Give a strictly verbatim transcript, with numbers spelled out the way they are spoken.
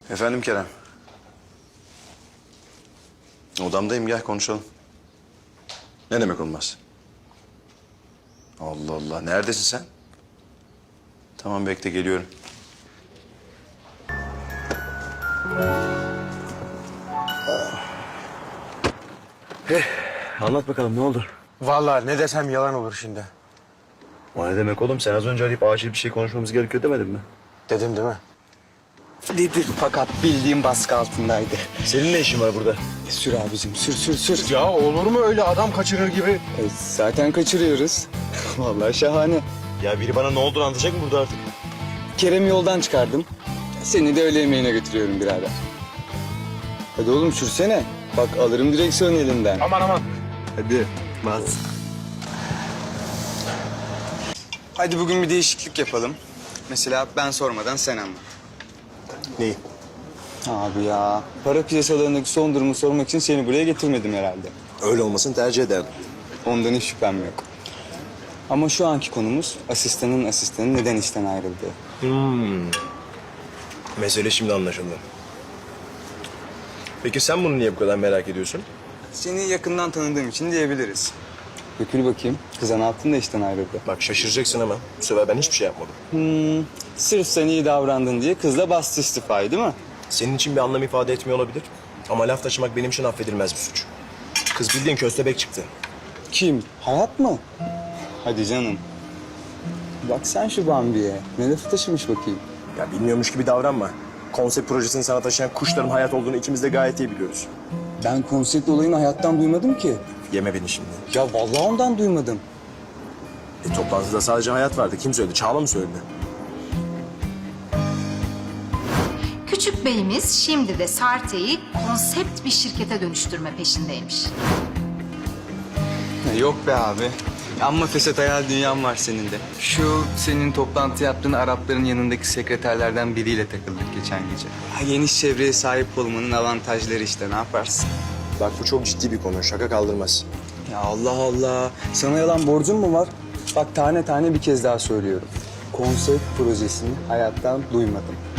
Efendim Kerem. Odamdayım, gel konuşalım. Ne demek olmaz? Allah Allah, neredesin sen? Tamam, bekle, geliyorum. Eh, anlat bakalım ne oldu? Vallahi ne desem yalan olur şimdi. O ne demek oğlum? Sen az önce arayıp acil bir şey konuşmamız gerekiyor demedin mi? Dedim değil mi? Dedi fakat bildiğim baskı altındaydı. Senin ne işin var burada? Sür abicim sür sür sür. Ya olur mu öyle adam kaçırır gibi? E, zaten kaçırıyoruz. Vallahi şahane. Ya biri bana ne olduğunu anlatacak mı burada artık? Kerem'i yoldan çıkardım. Seni de öğle yemeğine götürüyorum birader. Hadi oğlum sürsene. Bak alırım direksiyonu elinden. Aman aman. Hadi bas. Hadi bugün bir değişiklik yapalım. Mesela ben sormadan sen anlat. Neyi? Abi ya, para piyasalarındaki son durumu sormak için seni buraya getirmedim herhalde. Öyle olmasını tercih ederdim. Ondan hiç şüphem yok. Ama şu anki konumuz asistanın asistanı neden işten ayrıldı? Hmm. Mesele şimdi anlaşıldı. Peki sen bunu niye bu kadar merak ediyorsun? Seni yakından tanıdığım için diyebiliriz. Dökül bakayım. Kızan altın da işten ayrıldı. Bak şaşıracaksın ama bu sefer ben hiçbir şey yapmadım. Hmm, sırf sen iyi davrandın diye kızla bastı istifayı değil mi? Senin için bir anlam ifade etmiyor olabilir. Ama laf taşımak benim için affedilmez bir suç. Kız bildiğin köstebek çıktı. Kim? Hayat mı? Hadi canım. Bak sen şu Bambi'ye. Ne lafı taşımış bakayım. Ya bilmiyormuş gibi davranma. Konsept projesini sana taşıyan kuşların hayat olduğunu ikimiz de gayet iyi biliyoruz. Ben konsept olayını hayattan duymadım ki. Yeme beni şimdi. Ya vallahi ondan duymadım. E, toplantıda sadece hayat vardı. Kim söyledi? Çağla mı söyledi? Küçük beyimiz şimdi de Sarte'yi konsept bir şirkete dönüştürme peşindeymiş. Yok be abi. Amma fesat hayal dünyam var senin de. Şu senin toplantı yaptığın Arapların yanındaki sekreterlerden biriyle takıldık geçen gece. Ha, geniş çevreye sahip olmanın avantajları işte ne yaparsın? Bak bu çok ciddi bir konu. Şaka kaldırmaz. Ya Allah Allah. Sana yalan borcum mu var? Bak tane tane bir kez daha söylüyorum. Konsept projesini hayattan duymadım.